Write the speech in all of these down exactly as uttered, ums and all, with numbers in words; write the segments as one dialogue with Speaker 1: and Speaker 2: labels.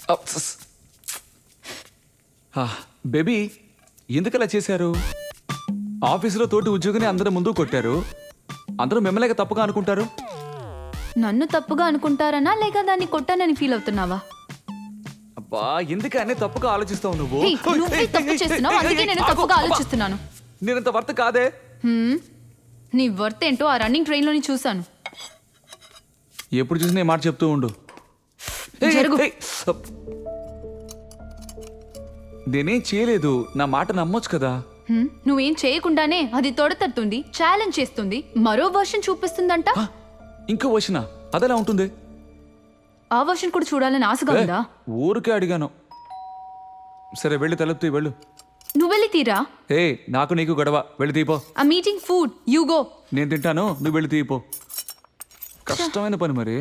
Speaker 1: Baby ఎందుకలా చేశారు? ఆఫీసులో తోటి ఉద్యోగిని అందరూ ముందు కొట్టారు. అందరూ మిమ్మల్ని తప్పుగా అనుకుంటారు.
Speaker 2: నన్ను తప్పుగా అనుకుంటారనా లేక దాన్ని కొట్టానని ఫీల్ అవుతున్నావా?
Speaker 1: అబ్బా ఎందుకనే తప్పుగా ఆలోచిస్తావు నువ్వు?
Speaker 2: హే, నువ్వే తప్పు చేస్తున్నావు, అందుకే నేను తప్పుగా ఆలోచిస్తున్నాను.
Speaker 1: నేనంత వర్త్ కాదే.
Speaker 2: హ్మ్, నీ వర్త్ ఏంటో ఆ రన్నింగ్ ట్రైన్లోని చూశాను.
Speaker 1: ఎప్పుడు చూసినా ఈ మాట చెప్తూ ఉండు.
Speaker 2: జరుగు.
Speaker 1: నేనేం చేయలేదు, నా మాట నమ్మొచ్చు కదా.
Speaker 2: హ్మ్, నువ్వేం చేయకుండానే అది తొడతట్టుంది, ఛాలెంజ్ చేస్తుంది, మరో వర్షన్ చూపిస్తుందంట.
Speaker 1: హ, ఇంకో వచ్చిన అదెలా ఉంటుంది?
Speaker 2: ఆ వర్షన్ కూడా చూడాలని ఆశగా
Speaker 1: ఏ,
Speaker 2: ఉందా?
Speaker 1: ఊరికే అడిగాను. సరే వెళ్ళి తలుపుతీ వెళ్ళు.
Speaker 2: నువ్వు వెళ్ళి తీరా.
Speaker 1: ఏ నాకు నీకు గొడవ, వెళ్ళి తీపో.
Speaker 2: ఆ మీటింగ్ ఫుడ్ యూ గో.
Speaker 1: నేను తింటాను, నువ్వు వెళ్ళి తీపో. కష్టమైన పని మరి.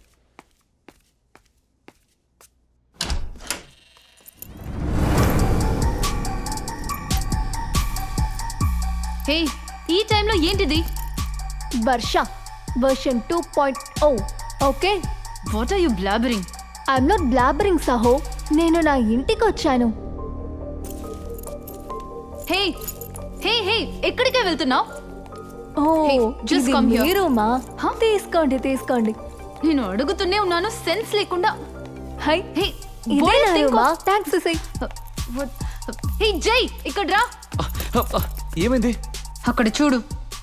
Speaker 2: హే, ఈ టైంలో ఏంటిది?
Speaker 3: Varsha version two point O. Okay,
Speaker 2: what are you blabbering?
Speaker 3: I'm not blabbering సహో, నేను నా ఇంటికి వచ్చాను.
Speaker 2: హే హే హే ఎక్కడికే వెళ్తున్నావు?
Speaker 3: ఓ
Speaker 2: Hey, just
Speaker 3: ఇది
Speaker 2: come here.
Speaker 3: మీ రూమా?
Speaker 2: Huh?
Speaker 3: తీసుకోండి తీసుకోండి.
Speaker 2: నేను అడుగుతూనే ఉన్నాను, సెన్స్ లేకుండా.
Speaker 3: హై,
Speaker 2: హే
Speaker 3: ఇదే
Speaker 2: what do you
Speaker 3: నా
Speaker 2: think
Speaker 3: రూమా?
Speaker 2: of-
Speaker 3: thanks Sai.
Speaker 2: What- hey Jai, ఇక్కడ రా.
Speaker 1: ఏమైంది?
Speaker 2: అక్కడ చూడు.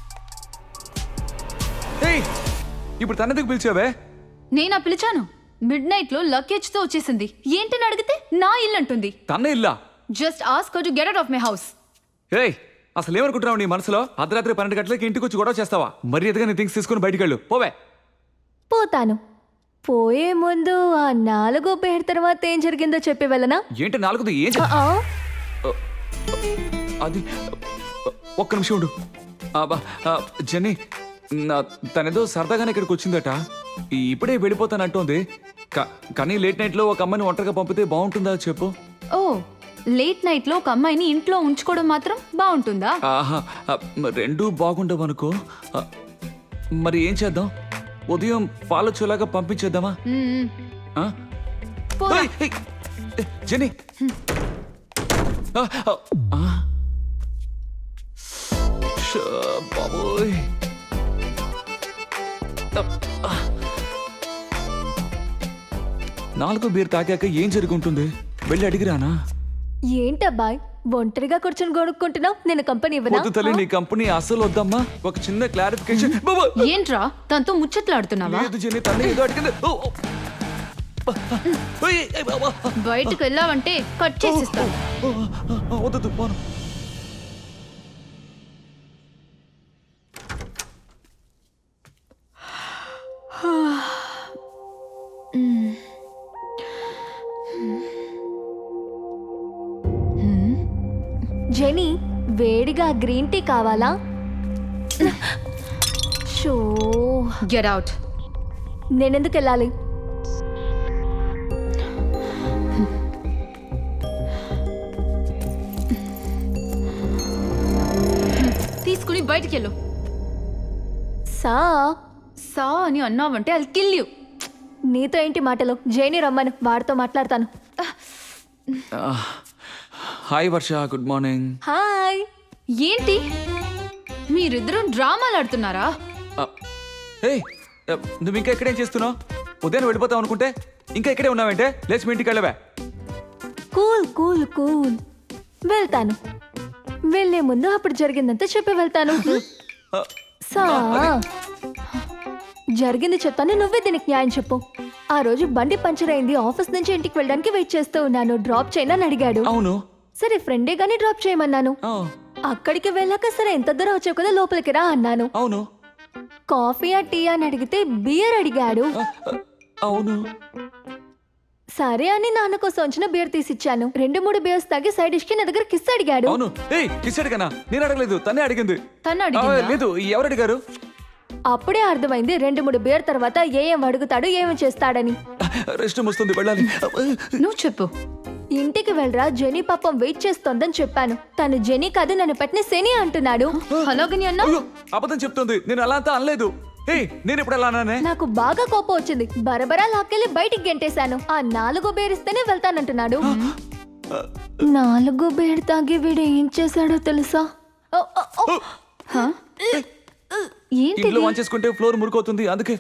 Speaker 1: ఏయ్, ఇప్పుడు తనెందుకు పిలిచావే?
Speaker 2: నేనా పిలిచాను? మిడ్ నైట్ లో లగేజ్ తో వచ్చేసింది. ఏంటని అడిగితే నా ఇల్లు అంటుంది.
Speaker 1: తన్నే ఇల్లా?
Speaker 2: Just ask her to get out of my house.
Speaker 1: ఏయ్ అసలు ఏమనుకుంటున్నావు నీ మనసులో? అర్ధరాత్రి పన్నెండు గంటలకి ఇంటికి వచ్చి గొడవ చేస్తావా? మరి ఎదుగా నీ థింగ్స్ తీసుకుని బయటికి వెళ్ళు, పోవే.
Speaker 3: పోతాను. పోయే ముందు ఆ నాలుగో పేరు తర్వాత ఏం జరిగిందో చెప్పి వెళ్ళనా?
Speaker 1: ఏంటి నాలుగుది? ఏం చే-
Speaker 3: ఆ,
Speaker 1: అది ఒక్క నిమిషం ఉండు. అబ్బా, ఆ, జెన్నీ నా- తనేదో సరదాగానే ఇక్కడికి వచ్చిందట. ఇప్పుడే వెళ్ళిపోతానంటోంది. కా- కానీ లేట్ నైట్ లో ఒక అమ్మాయిని ఒంటరిగా పంపితే బాగుంటుందా చెప్పు?
Speaker 2: ఓ, లేట్ నైట్ లో ఒక అమ్మాయిని ఇంట్లో ఉంచుకోవడం మాత్రం బాగుంటుందా?
Speaker 1: ఆహా, ఆ, రెండూ బాగుండవు అనుకో. ఆ, మరి ఏం చేద్దాం? ఉదయం పాలొచ్చేలాగా పంపించేద్దామా?
Speaker 2: మ్మ్.
Speaker 1: ఆ?
Speaker 2: పోరా.
Speaker 1: ఏయ్, ఏయ్, ఏ, జెన్నీ ఆ, ఆ, ఆ. షా, బాబోయ్. ఆ. నాలుగో బీర్ తాగాక ఏం జరుగుంటుంది? వెళ్ళి అడిగిరానా?
Speaker 3: ఏంటబ్బాయ్ ఒంటరిగా కూర్చొని గొడుక్కుంటున్నావు? నేను కంపెనీ ఇవ్వనా?
Speaker 1: వద్దు తల్లి, నీ కంపెనీ అసలు వద్దమ్మా. ఒక చిన్న క్లారిఫికేషన్. బాబా,
Speaker 2: ఏంట్రా తనతో ముచ్చట్లాడుతున్నావా?
Speaker 1: లేదు జెన్నీ, తల్లి ఏదో అడిగింది. ఓ, ఓ. ఏయ్, ఏయ్, బాబా.
Speaker 2: బయటకు వెళ్ళావంటే కట్ చేసిస్తాను.
Speaker 1: ఓ, ఓ, వద్దు పోను.
Speaker 3: జెనీ, వేడిగా గ్రీన్ టీ కావాలా? షో,
Speaker 2: గెట్ అవుట్.
Speaker 3: నేనెందుకు వెళ్ళాలి?
Speaker 2: తీసుకుని బయటికి వెళ్ళు.
Speaker 3: సా
Speaker 2: సా అని అన్నావంటే అది కిల్ యూ.
Speaker 3: నీతో ఏంటి మాటలు? జైని రమ్మను, వాడితో మాట్లాడతాను.
Speaker 1: Hi Varsha, good morning.
Speaker 3: Hi.
Speaker 2: ఏంటి మీరిద్దరూ డ్రామాలు ఆడుతున్నారా?
Speaker 1: ఏయ్, నువ్వు ఇంకా ఇక్కడేం చేస్తున్నావు? ఉదయం వెళ్ళిపోతావు అనుకుంటే ఇంకా ఇక్కడే ఉన్నావంటే? లేచి మీ ఇంటికి వెళ్ళవే.
Speaker 3: కూల్ కూల్ కూల్, వెళ్తాను. వెళ్ళే ముందు అప్పుడు జరిగిందంతా చెప్పి వెళ్తాను.
Speaker 1: ఆ,
Speaker 3: సా జరిగింది చెప్తాను, నువ్వే దీనికి న్యాయం చెప్పు. ఆ రోజు బండి పంచర్ అయింది, ఆఫీస్ నుంచి ఇంటికి వెళ్ళడానికి వెయిట్ చేస్తూ ఉన్నాను. డ్రాప్ చేయనని అడిగాడు.
Speaker 1: అవును.
Speaker 3: సరే ఫ్రెండే గానీ డ్రాప్ చేయమన్నాను.
Speaker 1: ఆ,
Speaker 3: అక్కడికి వెళ్ళాక సరే ఎంత దూరం వచ్చావు కదా, లోపలికి రా అన్నాను.
Speaker 1: అవును.
Speaker 3: కాఫీయా టీ అని అడిగితే బియర్ అడిగాడు.
Speaker 1: ఆ, ఆ, అవును.
Speaker 3: సరే అని నాన్న కోసం వచ్చిన బియర్ తీసిచ్చాను. రెండు మూడు బియర్స్ తాగి సైడ్ డిష్ కి నా దగ్గర కిస్ అడిగాడు.
Speaker 1: అవును. ఏయ్, కిస్ అడిగానా? నేను అడగలేదు, తనే అడిగింది.
Speaker 2: తను
Speaker 1: ఆ,
Speaker 2: అడిగిందా?
Speaker 1: లేదు, ఎవరు అడిగారు?
Speaker 3: అప్పుడే అర్థమైంది రెండు మూడు బియర్ తర్వాత ఏం అడుగుతాడు ఏమేం చేస్తాడని.
Speaker 1: రెస్ట్ వస్తుంది, వెళ్ళాలి.
Speaker 2: నువ్వు చెప్పు.
Speaker 3: ఇంటికి వెళ్ళరా, జెనీ పాపం వెయిట్ చేస్తోందని చెప్పాను. తను జెనీ కాదు, నన్ను పెట్టిన శని అంటున్నాడు.
Speaker 2: అలాగని అన్నా?
Speaker 1: అయ్యో, అబద్ధం చెప్తుంది. నేను అలా అంతా అనలేదు. ఏ నేను ఇప్పుడు ఎలా అన్నానే
Speaker 3: నాకు బాగా కోపం వచ్చింది. బరబరా లాక్కెళ్ళి బయటికి గెంటేశాను. ఆ నాలుగో బేరిస్తేనే వెళ్తానంటున్నాడు. నాలుగో బేర్ తాగి వీడు ఏం చేశాడో తెలుసా? ఓ, ఓ, ఓ.
Speaker 2: హ? ఏంటి
Speaker 1: ఇంట్లో వాన్ చేసుకుంటే ఫ్లోర్ మురుకవుతుంది అందుకే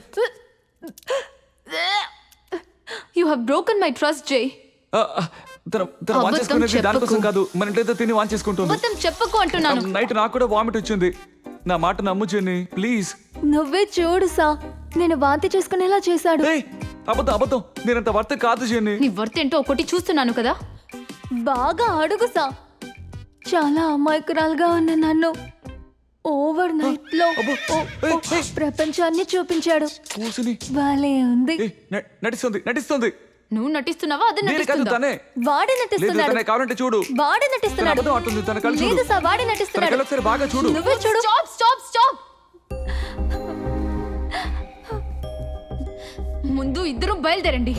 Speaker 2: you have broken my trust Jai.
Speaker 1: ఆ, ఆ, తన తన వాన్
Speaker 2: అబద్ధం
Speaker 1: చేసుకునేది దానికోసం
Speaker 2: చెప్పకు.
Speaker 1: కాదు, మన ఇంట్లో తిని వాన్ చేసుకుంటుంది.
Speaker 2: మొత్తం చెప్పకు అంటున్నాను.
Speaker 1: నైట్ నాకు కూడా వామిట్ వచ్చింది. నా మాట నమ్ము జెన్నీ ప్లీజ్.
Speaker 3: నువ్వే చూడు సా, నేను వాంతి చేసుకునేలా చేశాడు.
Speaker 1: ఏయ్ అబద్ధం అబద్ధం, నేనంత వర్త కాదు జెన్నీ.
Speaker 2: నీ వర్త్ ఏంటో ఒకటి చూస్తున్నాను కదా.
Speaker 3: బాగా అడుగు సా. చాలా అమాయకురాలుగా ఉన్న నన్ను ఓవర్ నైట్ లో
Speaker 1: అబ్బో,
Speaker 3: ఓ,
Speaker 1: ఏయ్,
Speaker 3: ఓ,
Speaker 1: ఏయ్.
Speaker 3: ప్రపంచాన్ని చూపించాడు.
Speaker 1: కూసుని
Speaker 3: భలే ఉంది.
Speaker 1: ఏయ్, న- నటిస్తుంది నటిస్తుంది.
Speaker 2: నువ్వు నటిస్తున్నావా అది
Speaker 1: నేను కాదు
Speaker 2: నటిస్తుందా?
Speaker 1: తనే.
Speaker 3: వాడే
Speaker 1: లేదు
Speaker 3: నటిస్తున్నాడు.
Speaker 1: తనే, కావాలంటే చూడు.
Speaker 3: వాడే
Speaker 1: తన
Speaker 3: నటిస్తున్నాడు.
Speaker 1: అబద్ధం అంటుంది, తన కళ్ళు చూడు.
Speaker 3: లేదు సా, వాడే
Speaker 1: తన
Speaker 3: నటిస్తున్నాడు.
Speaker 1: కళ్ళు ఒకసారి బాగా చూడు.
Speaker 3: నువ్వే చూడు.
Speaker 2: Stop stop stop. ముందు ఇద్దరు బయలుదేరండి.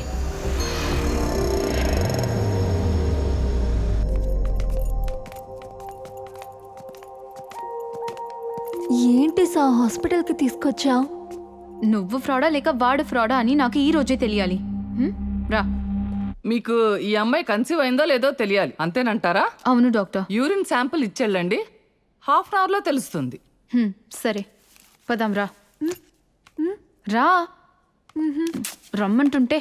Speaker 3: ఏంటి సా హాస్పిటల్ కి తీసుకొచ్చా?
Speaker 2: నువ్వు ఫ్రాడా లేక వాడు ఫ్రాడా అని నాకు ఈ రోజే తెలియాలి. హ్మ్? రా.
Speaker 4: మీకు ఈ అమ్మాయి కన్సీవ్ అయిందో లేదో తెలియాలి అంతేనంటారా?
Speaker 2: అవును డాక్టర్.
Speaker 4: యూరిన్ శాంపిల్ ఇచ్చెళ్ళండి, హాఫ్ అన్ అవర్లో తెలుస్తుంది.
Speaker 2: హ్మ్, సరే పదాం రా. రా రమ్మంటుంటే.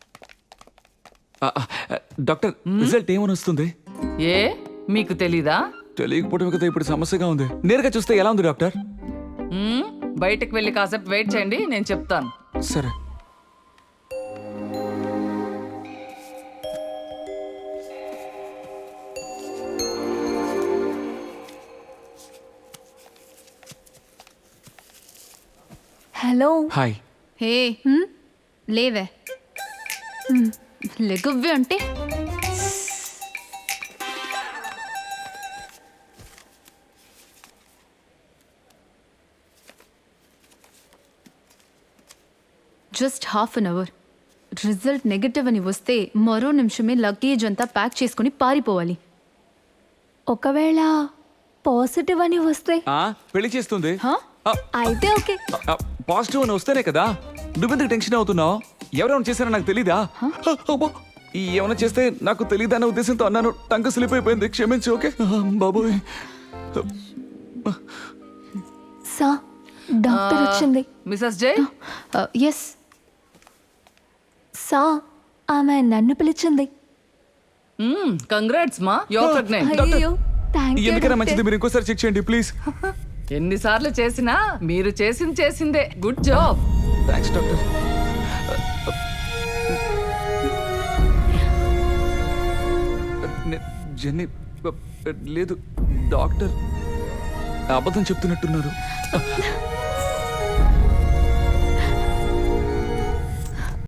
Speaker 1: ఆ, ఆ, డాక్టర్ రిజల్ట్ ఏమని వస్తుంది?
Speaker 4: ఏ మీకు తెలీదా?
Speaker 1: తెలియకపోవడం కదా ఇప్పుడు సమస్యగా ఉంది. నేరుగా చూస్తే ఎలా ఉంది డాక్టర్?
Speaker 4: మ్మ్? బయటకు వెళ్ళి కాసేపు వెయిట్ చేయండి, నేను చెప్తాను.
Speaker 1: సరే.
Speaker 3: హలో.
Speaker 1: హాయ్.
Speaker 2: హే లేవే. లెగువ్వే అంటే just half an hour. Result negative అని వస్తే మరో నిమిషమే లగేజ్ అంతా ప్యాక్ చేసుకుని పారిపోవాలి.
Speaker 3: ఒకవేళ పాజిటివ్ అని వస్తే?
Speaker 1: ఆ, పెళ్లి చేస్తుంది.
Speaker 2: హా?
Speaker 1: ఆ,
Speaker 3: అయితే ఓకే.
Speaker 1: ఆ, పాజిటివ్ అని వస్తేనే కదా. నువ్వెందుకు టెన్షన్ అవుతున్నావు? ఎవరెవరు చేశారో నాకు తెలీదా? అబ్బో, ఈ ఏమైనా చేస్తే నాకు తెలీదా అనే ఉద్దేశంతో అన్నాను. టంక స్లిప్ అయిపోయింది, క్షమించు. ఓకే బాబోయ్.
Speaker 3: సా, డాక్టర్ వచ్చింది.
Speaker 4: Mrs Jai,
Speaker 2: yes.
Speaker 3: సా, ఆమె నన్ను పిలిచింది.
Speaker 4: కంగ్రాట్స్ మా, యువర్ ప్రెగ్నెంట్.
Speaker 3: అయ్యో, థ్యాంక్ యూ
Speaker 1: ఎందుకైనా
Speaker 3: డాక్టర్.
Speaker 1: మంచిది మీరు ఇంకోసారి చెక్ చేయండి ప్లీజ్.
Speaker 4: ఎన్నిసార్లు చేసినా మీరు చేసింది చేసిందే. Good job.
Speaker 1: Thanks doctor. నే- జెన్నీ లేదు డాక్టర్ అబద్ధం చెప్తున్నట్టున్నారు.